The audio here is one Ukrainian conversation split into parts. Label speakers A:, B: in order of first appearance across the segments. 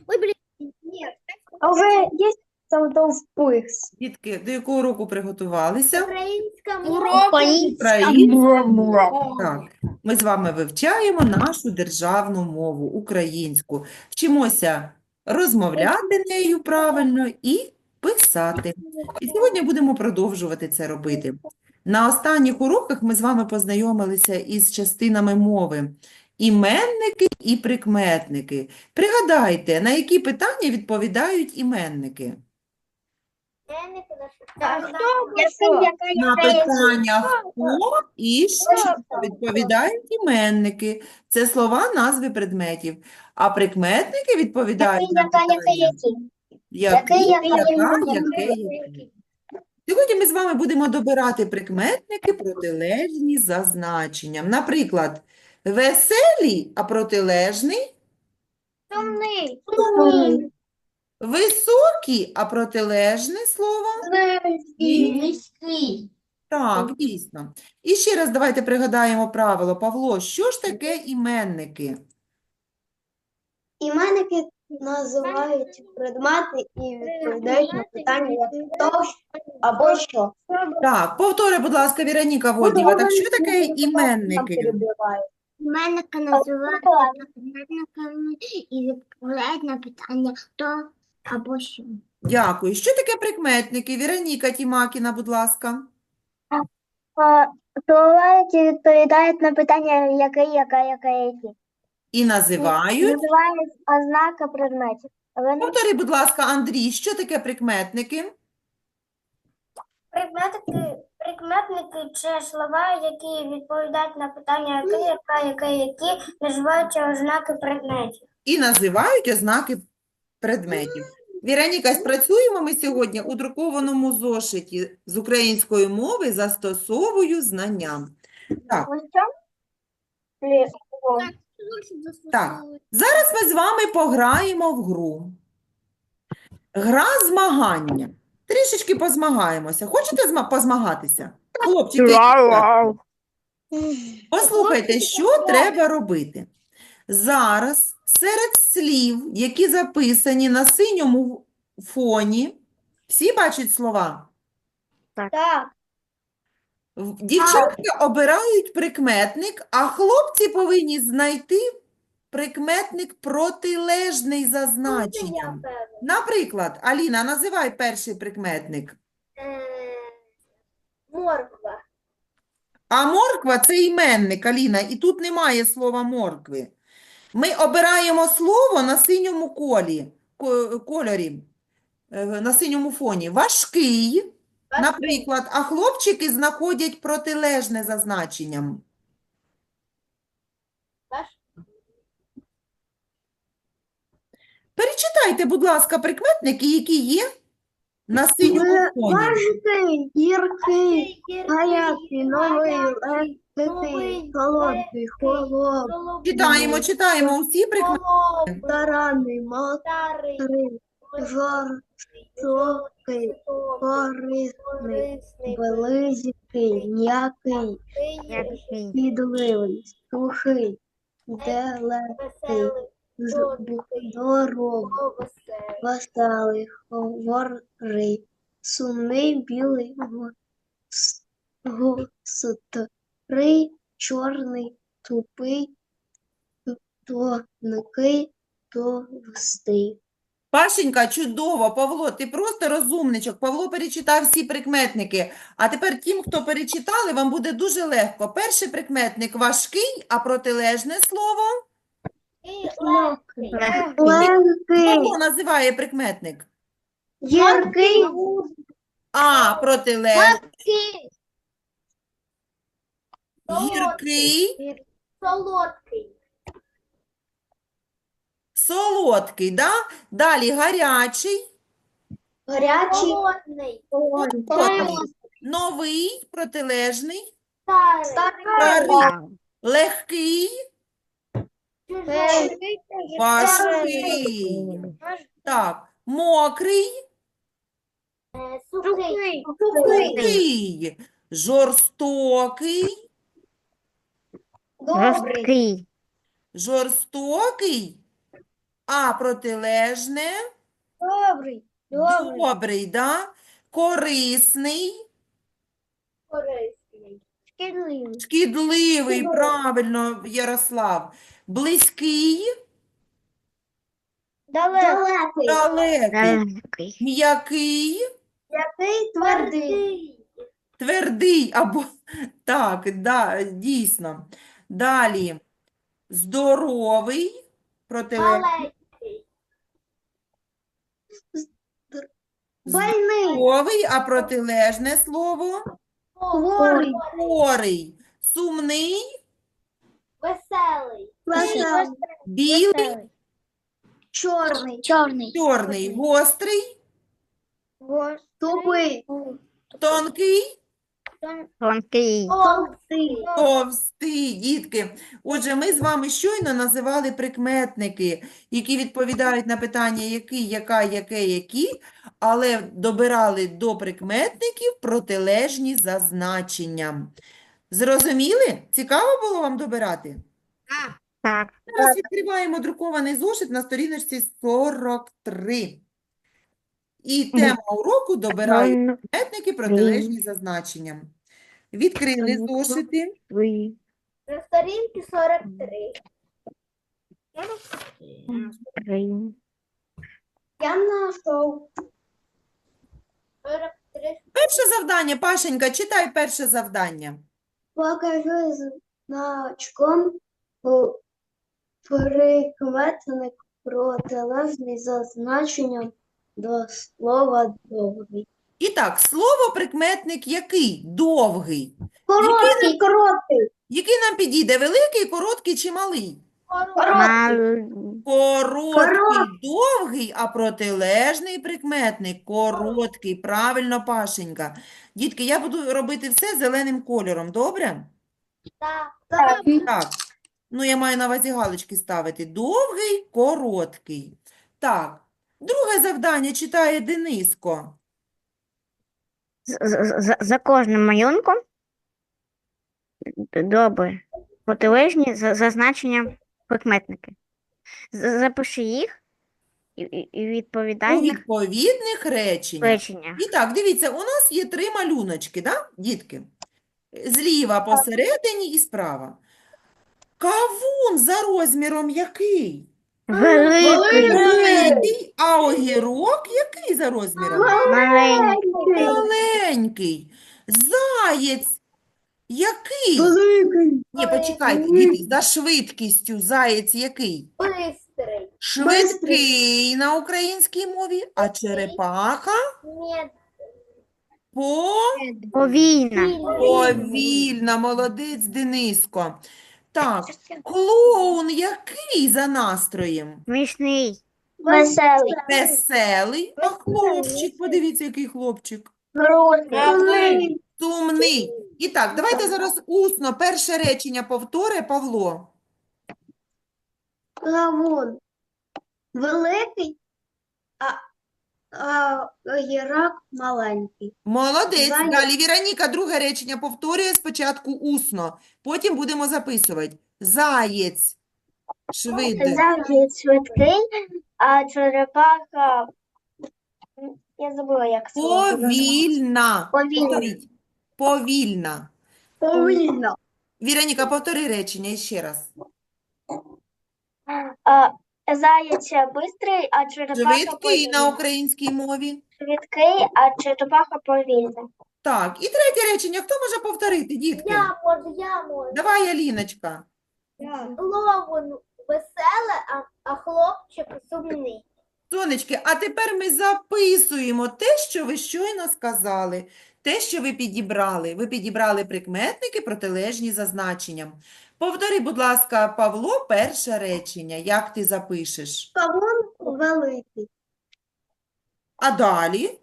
A: Ой, блин, нет.
B: А уже есть впис?
C: Дітки, до якого року приготувалися?
A: Українська
B: Урок
C: Українська. Так, ми з вами вивчаємо нашу державну мову, українську. Вчимося розмовляти нею правильно і писати. І сьогодні будемо продовжувати це робити. На останніх уроках ми з вами познайомилися із частинами мови. Іменники і прикметники. Пригадайте, на які питання відповідають іменники? На питання «хто» і «що» відповідають іменники. Це слова, назви предметів. А прикметники відповідають на питання який, який. Сьогодні ми з вами будемо добирати прикметники протилежні за значенням. Наприклад, веселий, а протилежний
A: Сумний.
C: високий, а протилежне слово
A: Низький.
C: Так, дійсно. І ще раз давайте пригадаємо правило. Павло, що ж таке іменники?
B: Іменники називають предмети і відповідають на питання як хто або що.
C: Так, повтори, будь ласка, Віроніка Воднєва. Так що таке іменники?
A: Іменники називають прикметниками і відповідають на питання хто або що.
C: Дякую. Що таке прикметники? Віроніка Тімакіна, будь ласка.
B: Словають і відповідають на питання який, які.
C: І називають.
B: Називають ознаки предметів.
C: Повтори, будь ласка, Андрій, що таке прикметники?
D: Прикметники – це слова, які відповідають на питання який, які називаються ознаки предметів.
C: І називають ознаки предметів. Віроніка, спрацюємо ми сьогодні у друкованому зошиті з української мови «Застосовую знання». Так, так. Зараз ми з вами пограємо в гру. Гра змагання. Трішечки позмагаємося. Хочете позмагатися? Хлопчики, дівчатка? Послухайте, що треба робити. Зараз серед слів, які записані на синьому фоні, всі бачать слова?
B: Так.
C: Дівчатка обирають прикметник, а хлопці повинні знайти прикметник протилежний за значенням. Наприклад, Аліна, називай перший прикметник.
D: Морква.
C: А морква – це іменник, Аліна, і тут немає слова моркви. Ми обираємо слово на синьому кольорі, на синьому фоні. Важкий, наприклад, а хлопчики знаходять протилежне за значенням. Перечитайте, будь ласка, прикметники, які є на синьому фоні.
B: Важкий, гіркий, гарячий, новий, легкий, холодний, холодний,
C: Читаємо усі прикметники.
B: таранний, мокрий, жорстокий, корисний, близький, м'який, підливий, сухий, далекий, здоровий, веселий, говорий, сумний, білий, гострий, чорний, тупий, тонкий, товстий.
C: Пашенька, чудово, Павло, ти просто розумничок. Павло перечитав всі прикметники. А тепер тим, хто перечитали, вам буде дуже легко. Перший прикметник важкий, а протилежне слово?
B: Легкий,
C: Павло називає прикметник.
B: гіркий,
C: А протилежний гіркий,
D: Солодкий.
C: солодкий, да? Далі гарячий,
B: гарячий,
D: Холодний.
C: холодний, новий, протилежний,
D: Старий.
C: старий, легкий,
D: Чужий.
C: важкий. Так, мокрий,
D: Сухий.
C: сухий, жорстокий,
B: добрий,
C: жорстокий, А протилежне
B: Добрий.
C: добрий, да? Корисний,
B: Корисний. Шкідливий.
C: шкідливий, правильно, Ярослав. Близький,
B: Далекий.
C: далекий. М'який,
B: Який твердий.
C: твердий або так, да, дійсно. Далі. Здоровий, протилежний.
B: Больний.
C: Здоровий, а протилежне слово
B: Хворий.
C: хворий. Сумний,
B: Веселий.
C: білий,
B: Чорний.
C: чорний, гострий,
B: Тупий.
C: тонкий,
B: Тонкий.
C: товстий. Дітки, отже, ми з вами щойно називали прикметники, які відповідають на питання який, яка, яке, які, але добирали до прикметників протилежні за значенням. Зрозуміли? Цікаво було вам добирати?
B: Так.
C: Зараз відкриваємо друкований зошит на сторіночці 43. І тема уроку добирають прикметники протилежні за значенням. Відкрили зошити.
D: На сторінці 43.
B: Я знайшов.
D: 43.
C: Перше завдання, Пашенька, читай перше завдання.
B: Покажи значком прикметник протилежний за значенням до слова добрий.
C: І так, слово прикметник який? Довгий.
B: Короткий.
C: Який нам підійде? Великий, короткий чи малий? Короткий, довгий, а протилежний прикметник короткий. Правильно, Пашенька. Дітки, я буду робити все зеленим кольором, добре? Так. Ну, я маю на увазі галочки ставити. Довгий, короткий. Так. Друге завдання читає Дениско.
E: За кожним малюнком добре. Протилежні за значенням прикметники. Запиши їх і
C: У
E: відповідай на
C: відповідних реченнях.
E: речення.
C: І так, дивіться, у нас є 3 малюночки, да, дітки? Зліва посередині і справа. Кавун за розміром який?
E: Великий,
C: Великий, а огірок який за розміром?
E: маленький,
C: Маленький. Заєць який? Ні, почекайте, діти, за швидкістю заєць який?
D: Бистрий.
C: Швидкий на українській мові, а черепаха
D: Ні.
E: повільна,
C: повільна. Молодець, Дениско. Так, клоун який за настроєм?
E: смішний,
B: Веселий.
C: Веселий, а хлопчик, подивіться, який хлопчик.
B: Грустний.
C: Сумний. І так, давайте зараз усно перше речення повтори, Павло.
B: Кавун. Великий, а огірок маленький.
C: Молодець.
B: Заєць.
C: Далі Віроніка друге речення повторює спочатку усно, потім будемо записувати. Заєць. Швидко.
B: Заєць швидкий, а черепаха, я забула, як
C: Повільна.
B: Повільна.
C: Повторіть. Повільна.
B: Повільно.
C: Віроніка, повтори речення ще раз.
B: Заєць швидкий, а черепаха
C: Швидкий на українській мові.
B: Швидкий, а черепаха повільна.
C: Так, і третє речення. Хто може повторити, дітки?
D: Я можу.
C: Давай, Аліночка.
D: Клоун веселе, а хлопчик сумний.
C: Сонечки, а тепер ми записуємо те, що ви щойно сказали, те, що ви підібрали. Ви підібрали прикметники протилежні за значенням. Повтори, будь ласка, Павло, перше речення. Як ти запишеш?
B: Кавун великий.
C: А далі?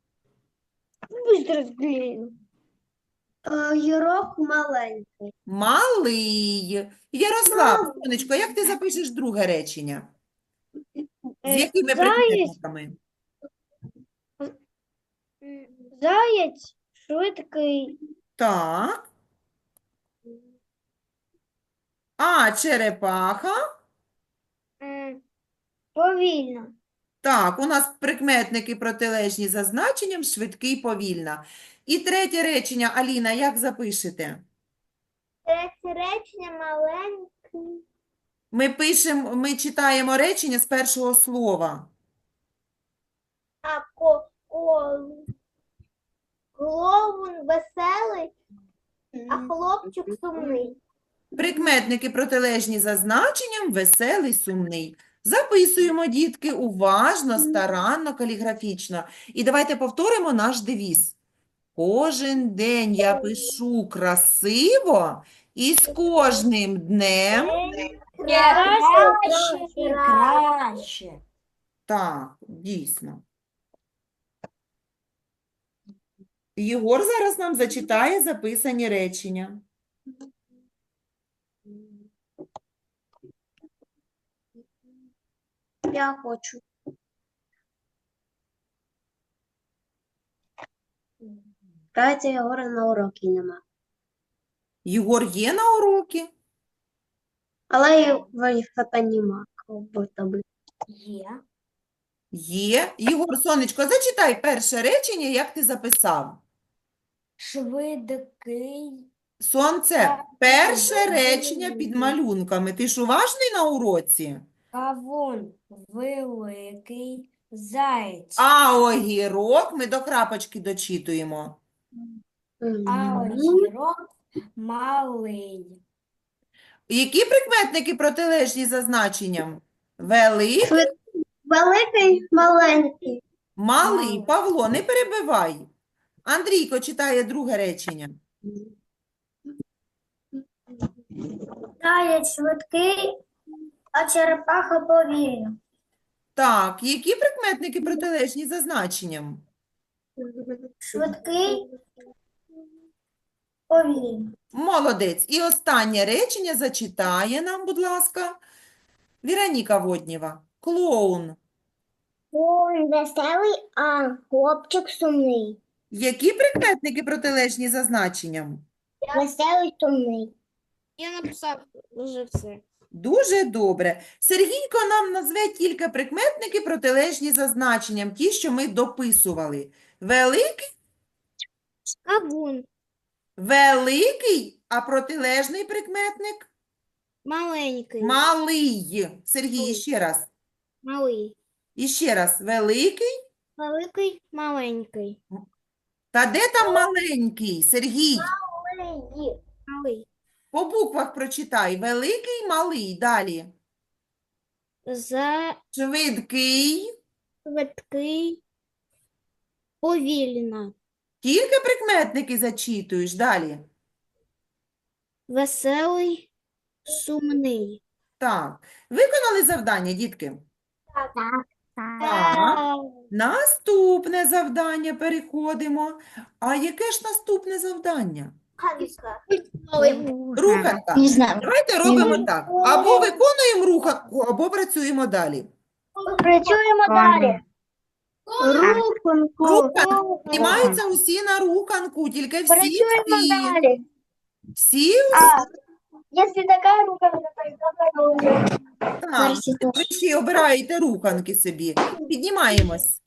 B: Огірок маленький.
C: Малий. Ярослав, сонечко, як ти запишеш друге речення? З якими прикметниками?
B: Заєць швидкий.
C: Так. А черепаха?
A: Повільно.
C: Так, у нас прикметники протилежні за значенням швидкий, повільна. І третє речення, Аліна, як запишете?
A: Третє речення маленький.
C: Ми читаємо речення з першого слова.
A: А клоун веселий, а хлопчик сумний.
C: Прикметники протилежні за значенням веселий, сумний. Записуємо, дітки, уважно, старанно, каліграфічно. І давайте повторимо наш девіз. Кожен день я пишу красиво, і з кожним днем...
A: Краще.
C: Так, дійсно. Єгор зараз нам зачитає записані речення.
B: Я хочу. Катя Єгора на уроки нема.
C: Єгор є на уроки?
B: Але його фото нема. Будто би.
A: Є.
C: Є. Єгор, сонечко, зачитай перше речення, як ти записав.
A: Швидкий.
C: Сонце, перше речення під малюнками. Ти ж уважний на уроці?
A: Кавун великий. Заєць.
C: А огірок ми до крапочки дочитуємо.
A: А огірок малий.
C: Які прикметники протилежні за значенням? Великий,
B: Великий, маленький.
C: малий. Павло, не перебивай. Андрійко читає друге речення.
D: Заєць швидкий, а черепаха повільна.
C: Так, які прикметники протилежні за значенням?
D: Швидкий, повільна.
C: Молодець. І останнє речення зачитає нам, будь ласка, Віроніка Воднєва. Клоун.
A: Клоун веселий, а хлопчик сумний.
C: Які прикметники протилежні за значенням?
A: Веселий, сумний.
E: Я написав вже все.
C: Дуже добре. Сергійко нам назве тільки прикметники протилежні за значенням, ті, що ми дописували. Великий,
E: Кавун.
C: великий, а протилежний прикметник?
E: Маленький.
C: Малий. Сергій, ще раз.
E: Малий.
C: І ще раз. Великий.
E: Великий, маленький.
C: Та де там маленький? Сергій,
E: Малий.
C: по буквах прочитай. Великий, малий. Далі. Швидкий.
E: Швидкий. Повільно.
C: Тільки прикметники зачитуєш. Далі.
E: Веселий, сумний.
C: Так. Виконали завдання, дітки? Так. Наступне завдання переходимо. А яке ж наступне завдання? Руханка.
A: Не знаю.
C: Давайте робимо так. Або виконуємо руханку, або працюємо далі.
A: Працюємо далі.
C: Руханка. Знімаються усі на руханку, тільки всі. Всі.
A: Якщо така рукавка, то
C: Так. Ви ще обираєте руханки собі. Піднімаємось.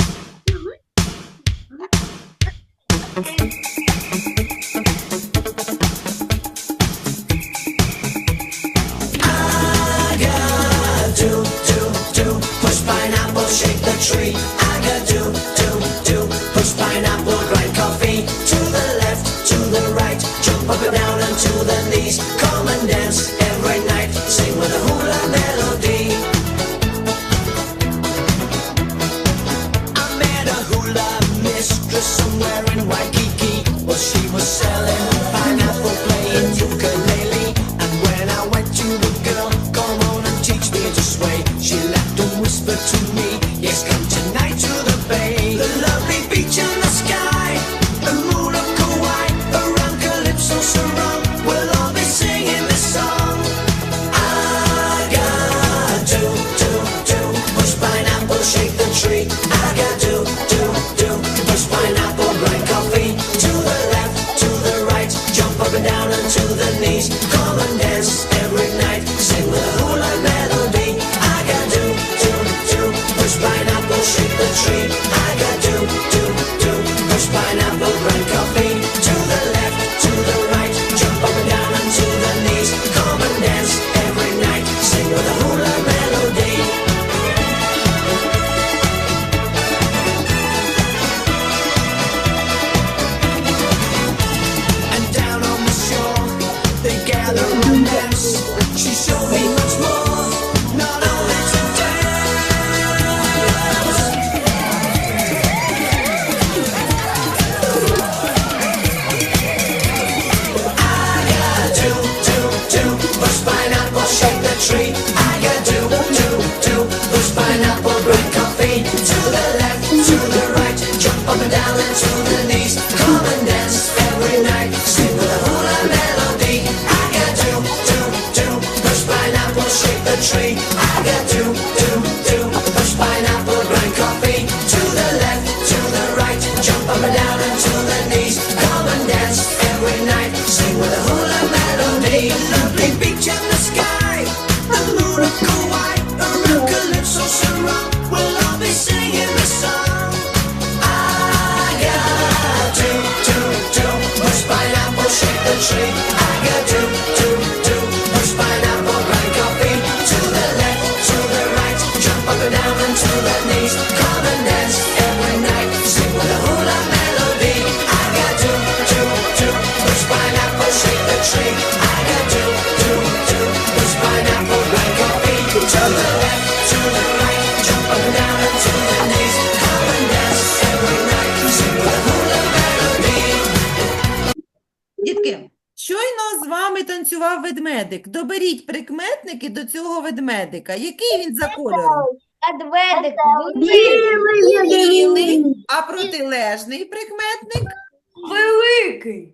F: Push pineapple, shake the tree. I got do. Push pineapple, grind coffee. To the left, to the right. Jump up and down and to the knees. Come and dance every night. Sing with a hula melody. I met a hula mistress somewhere in Waikiki. Well, she was selling pineapple, playing ukulele. And when I went to the girl, come on and teach me to sway. She laughed and whispered to me, yes, come tonight to the bay. The lovely beach and the sky, the moon of Kauai, around Calypso surround. We'll all be singing this song. I got do, push pineapple, shake the tree. I got do, push pineapple, grind coffee. To the left, to the right, jump up and down and to the knees. Come and dance every night, sing with a hula melody. I got do, the knees. Come and dance every night. Sing with a hula melody. I got two, push pineapple, shake the tree. I got two, push pineapple, like coffee. To the left, to the right, jump up and down and to the knees. Come and dance every night. Sing with a hula melody.
C: Дітки, щойно з вами танцював ведмедик. Доберіть прикметники до цього ведмедика. Який він за кольором?
B: Медведик.
C: Білий. А протилежний прикметник?
B: Великий.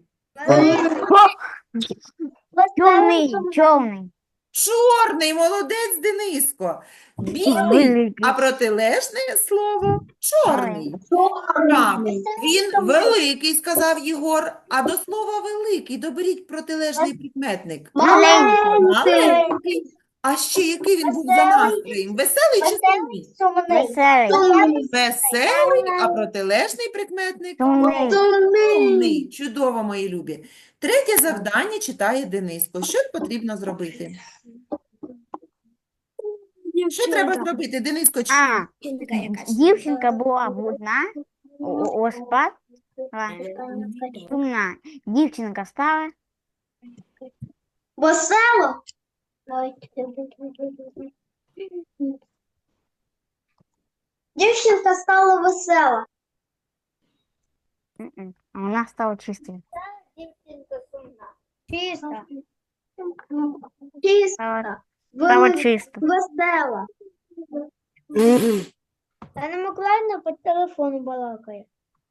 E: Чорний.
C: Чорний. Молодець, Дениско. Білий. А протилежне слово? Чорний. Так, він великий, сказав Єгор. А до слова великий доберіть протилежний прикметник. Маленький. А ще який він був за настроєм? Веселий чи сумний?
E: Веселий.
C: Веселий, а протилежний прикметник?
E: Сумний.
C: Сумний. Чудово, мої любі. Третє завдання читає Дениско. Що потрібно зробити? Що треба зробити, Дениско?
E: Дівчинка була брудна, оспала, сумна. Дівчинка стала
B: Весело. Дівчинка стала весела.
E: а вона стала чистою.
B: Чиста.
E: Стала чисто.
B: Весела.
A: Анна Миколаївна по телефону балакає.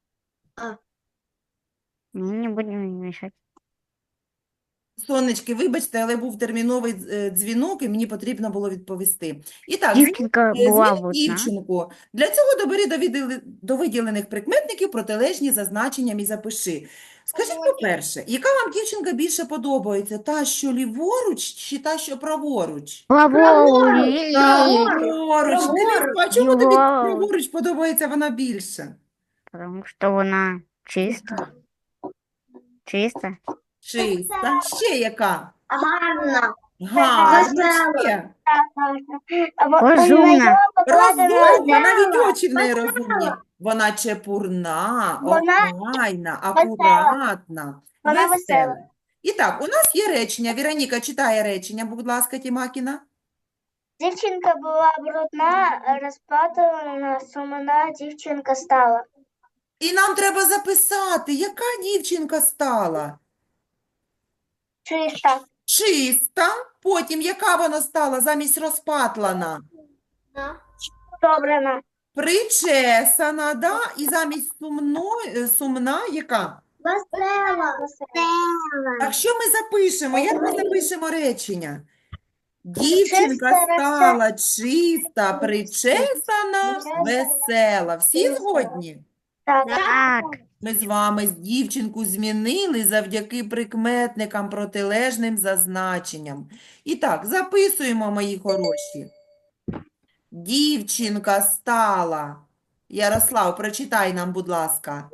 E: Ми не будемо мішати.
C: Сонечки, вибачте, але був терміновий дзвінок, і мені потрібно було відповісти. І так,
E: Дівчинка була
C: звільни
E: брудна.
C: дівчинку. Для цього добери до виділених прикметників протилежні за значенням і запиши. Скажіть, по-перше, яка вам дівчинка більше подобається? Та, що ліворуч, чи та, що праворуч?
E: Праворуч.
C: Праворуч. Дениско, а чому тобі
E: Ліворуч.
C: праворуч подобається вона більше?
E: Тому що вона чиста. Чиста.
C: Чиста. Ще яка?
B: Гарна.
C: Гарна. Ще.
E: Розумна.
C: Розумна, навіть очі в неї розумні. Вона чепурна,
A: Вона
C: охайна, акуратна,
A: Вона
C: весела.
A: весела.
C: І так, у нас є речення. Віроніка читає речення, будь ласка, Тімакіна.
A: Дівчинка була брудна, розпатована, сумна дівчинка стала.
C: І нам треба записати, яка дівчинка стала?
A: Чиста.
C: Чиста. Потім, яка вона стала замість розпатлана?
A: Добрана.
C: Причесана, да? І замість сумна, яка?
B: Весела.
C: Так що ми запишемо? Як ми запишемо речення? Дівчинка
A: Чиста,
C: стала чиста, причесана, весела. Всі згодні?
A: Так.
E: Так.
C: Ми з вами дівчинку змінили завдяки прикметникам протилежним за значенням. І так, записуємо, мої хороші. Дівчинка стала. Ярослав, прочитай нам, будь ласка.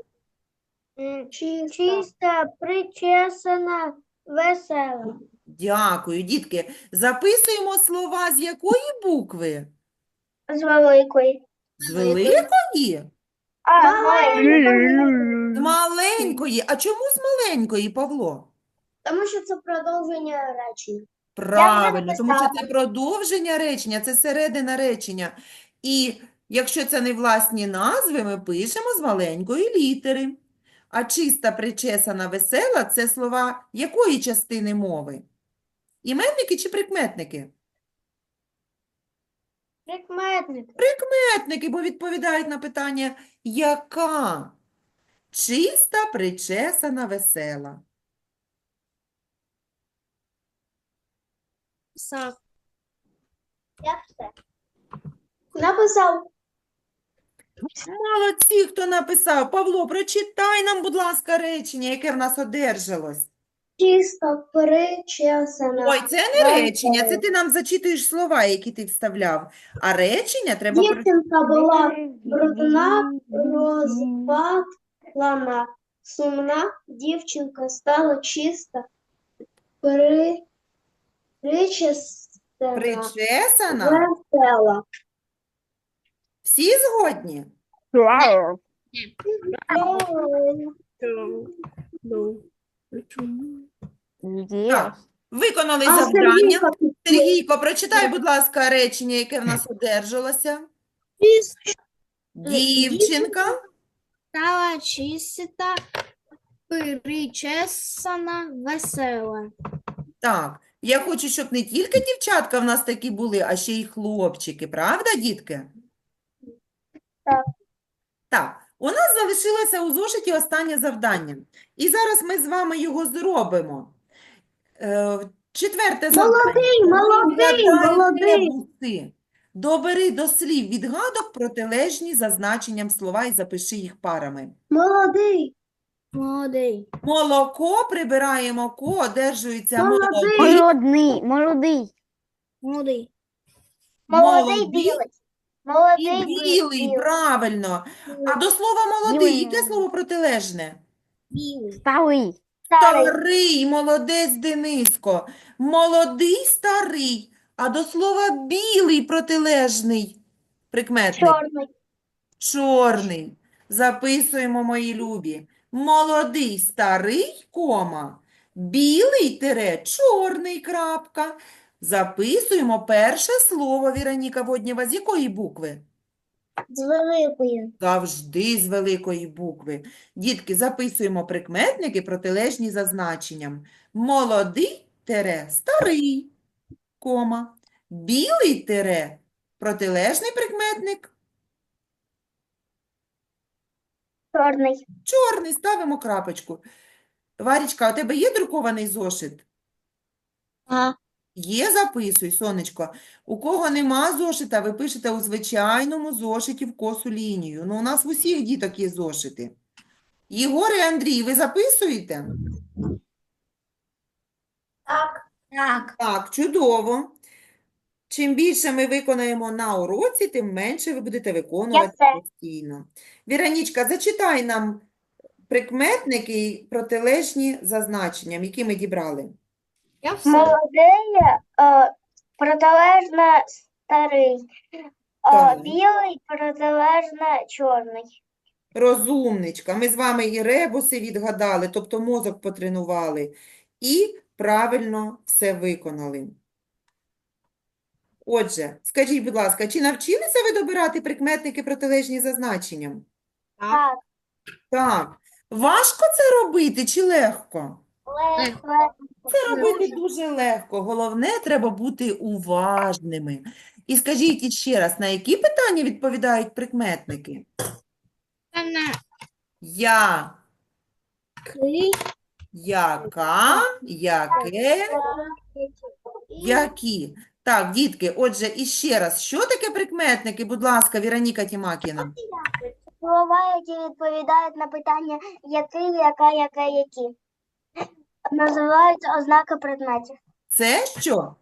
A: Чиста, причесана, весела.
C: Дякую, дітки. Записуємо слова з якої букви?
A: З великої.
C: З великої? З маленької. А чому з маленької, Павло?
B: Тому що це продовження речення.
C: Правильно, тому що це продовження речення, це середина речення. І якщо це не власні назви, ми пишемо з маленької літери. А чиста, причесана, весела – це слова якої частини мови? Іменники чи прикметники?
A: Прикметник.
C: Прикметники, бо відповідають на питання «яка?» Чиста, причесана, весела.
A: Я все.
B: Написав.
C: Молодці, хто написав. Павло, прочитай нам, будь ласка, речення, яке в нас одержалось.
B: Чисто, причесана.
C: Ой, це не речення, це ти нам зачитуєш слова, які ти вставляв. А речення треба
B: Дівчинка була брудна, розпатлана, сумна, дівчинка стала чиста, причесана,
C: причесана.
B: весела.
C: Всі згодні?
E: Є.
C: Так, виконали
B: А
C: завдання.
B: Сергійко,
C: Сергійко, прочитай, будь лака, речення, яке в нас одержалося. Дівчинка
G: Стала чиста, причесана, весела.
C: Так, я хочу, щоб не тільки дівчатка в нас такі були, а ще й хлопчики. Правда, дітки?
A: Так.
C: Так, у нас залишилося у зошиті останнє завдання. І зараз ми з вами його зробимо. Четверте завдання. Відгадай
B: молодий.
C: ребуси. Добери до слів відгадок протилежні за значенням слова і запиши їх парами.
B: Молодий.
G: Молодий.
C: Молоко, прибираємо ко, одержується молодий,
E: Молодий.
G: Молодий.
A: Молодий
C: молодий
A: білий.
C: і
A: Молодий
C: білий, правильно. А до слова молодий,
E: Білий.
C: яке слово протилежне?
G: Білий.
E: Старий.
A: Старий.
C: Старий, молодець, Дениско. Молодий, старий. А до слова білий протилежний прикметник.
A: Чорний.
C: Чорний. Записуємо, мої любі. Молодий, старий, кома. Білий тире, чорний, крапка. Записуємо перше слово, Віроніка Воднєва. З якої букви?
A: З великою.
C: Завжди з великої букви. Дітки, записуємо прикметники протилежні за значенням. Молодий тире, старий, кома. Білий тире, протилежний прикметник.
A: Чорний.
C: Чорний, ставимо крапочку. Варічка, у тебе є друкований зошит?
G: А.
C: Є, записуй, сонечко. У кого нема зошита, ви пишете у звичайному зошиті в косу лінію. Ну, у нас в усіх діток є зошити. Єгор і Андрій, ви записуєте?
G: Так.
C: Так, чудово. Чим більше ми виконаємо на уроці, тим менше ви будете виконувати
A: все.
C: постійно. Віронічка, зачитай нам прикметники протилежні за значенням, які ми дібрали.
G: Я все.
A: Молодий, протилежно старий.
C: Так.
A: Білий, протилежно чорний.
C: Розумничка. Ми з вами і ребуси відгадали, тобто мозок потренували, і правильно все виконали. Отже, скажіть, будь ласка, чи навчилися ви добирати прикметники протилежні за значенням?
A: Так.
C: Так. Важко це робити чи легко?
A: Легко.
C: Це робити дуже легко. Головне, треба бути уважними. І скажіть іще раз, на які питання відповідають прикметники? Я, яка, яке, які. Так, дітки, отже, іще раз, що таке прикметники? Будь ласка, Віроніка Тімакіна.
A: Слова, які відповідають на питання який, яка, яке, які. Називаються ознаки предметів.
C: Це що?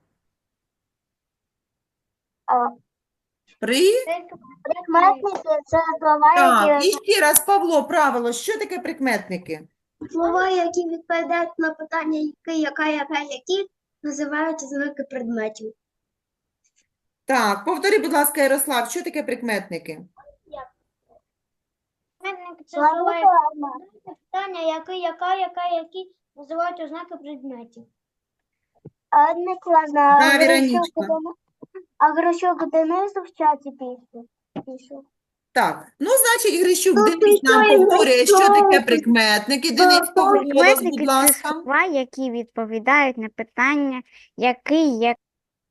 A: А,
C: При...
A: Прикметники – це слова,
C: Так,
A: які
C: і ще раз, Павло, правило, що таке прикметники?
B: Слова, які відповідають на питання який, яка, які, називаються знаки предметів.
C: Так, повтори, будь ласка, Ярослав, що таке прикметники?
A: Прикметники – це слова, які відповідають на питання який, яка, які називають ознаки предметів. Одне класна.
C: Да, Віронічка.
A: А Грищук Денис в чаті пише.
C: Так, ну, значить, Грищук Денис нам повторює, що таке прикметники. Денис, голос,
E: Прикметники
C: будь
E: це
C: ласка.
E: слова, які відповідають на питання який, як.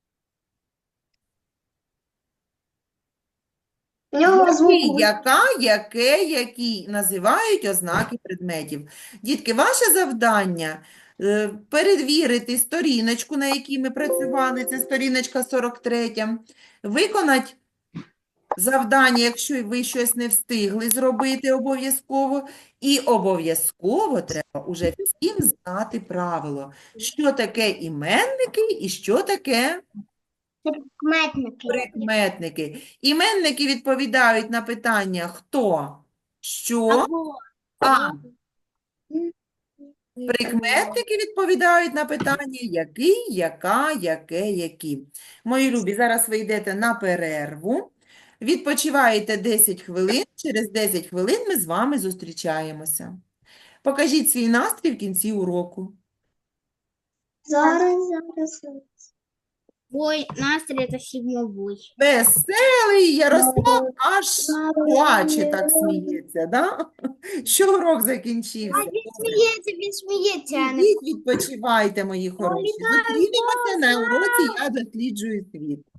B: В нього
C: Який,
B: звук
C: яка, яке, які називають ознаки предметів. Дітки, ваше завдання перевірити сторіночку, на якій ми працювали, це сторіночка 43, виконати завдання, якщо ви щось не встигли зробити обов'язково, і обов'язково треба уже всім знати правило, що таке іменники і що таке
A: Прикметники.
C: прикметники. Іменники відповідають на питання хто, що, а прикметники відповідають на питання який, яка, яке, які. Мої любі, зараз ви йдете на перерву. Відпочиваєте 10 хвилин, через 10 хвилин ми з вами зустрічаємося. Покажіть свій настрій в кінці уроку.
B: Зараз.
G: Бой, настрій это всегда бой.
C: Веселий Ярослав аж плаче, так сміється, да? Що урок закінчився. Добре.
G: Він сміється, а не
C: Ідіть відпочивайте, мої хороші. Зустрінемося на уроці «Я досліджую світ».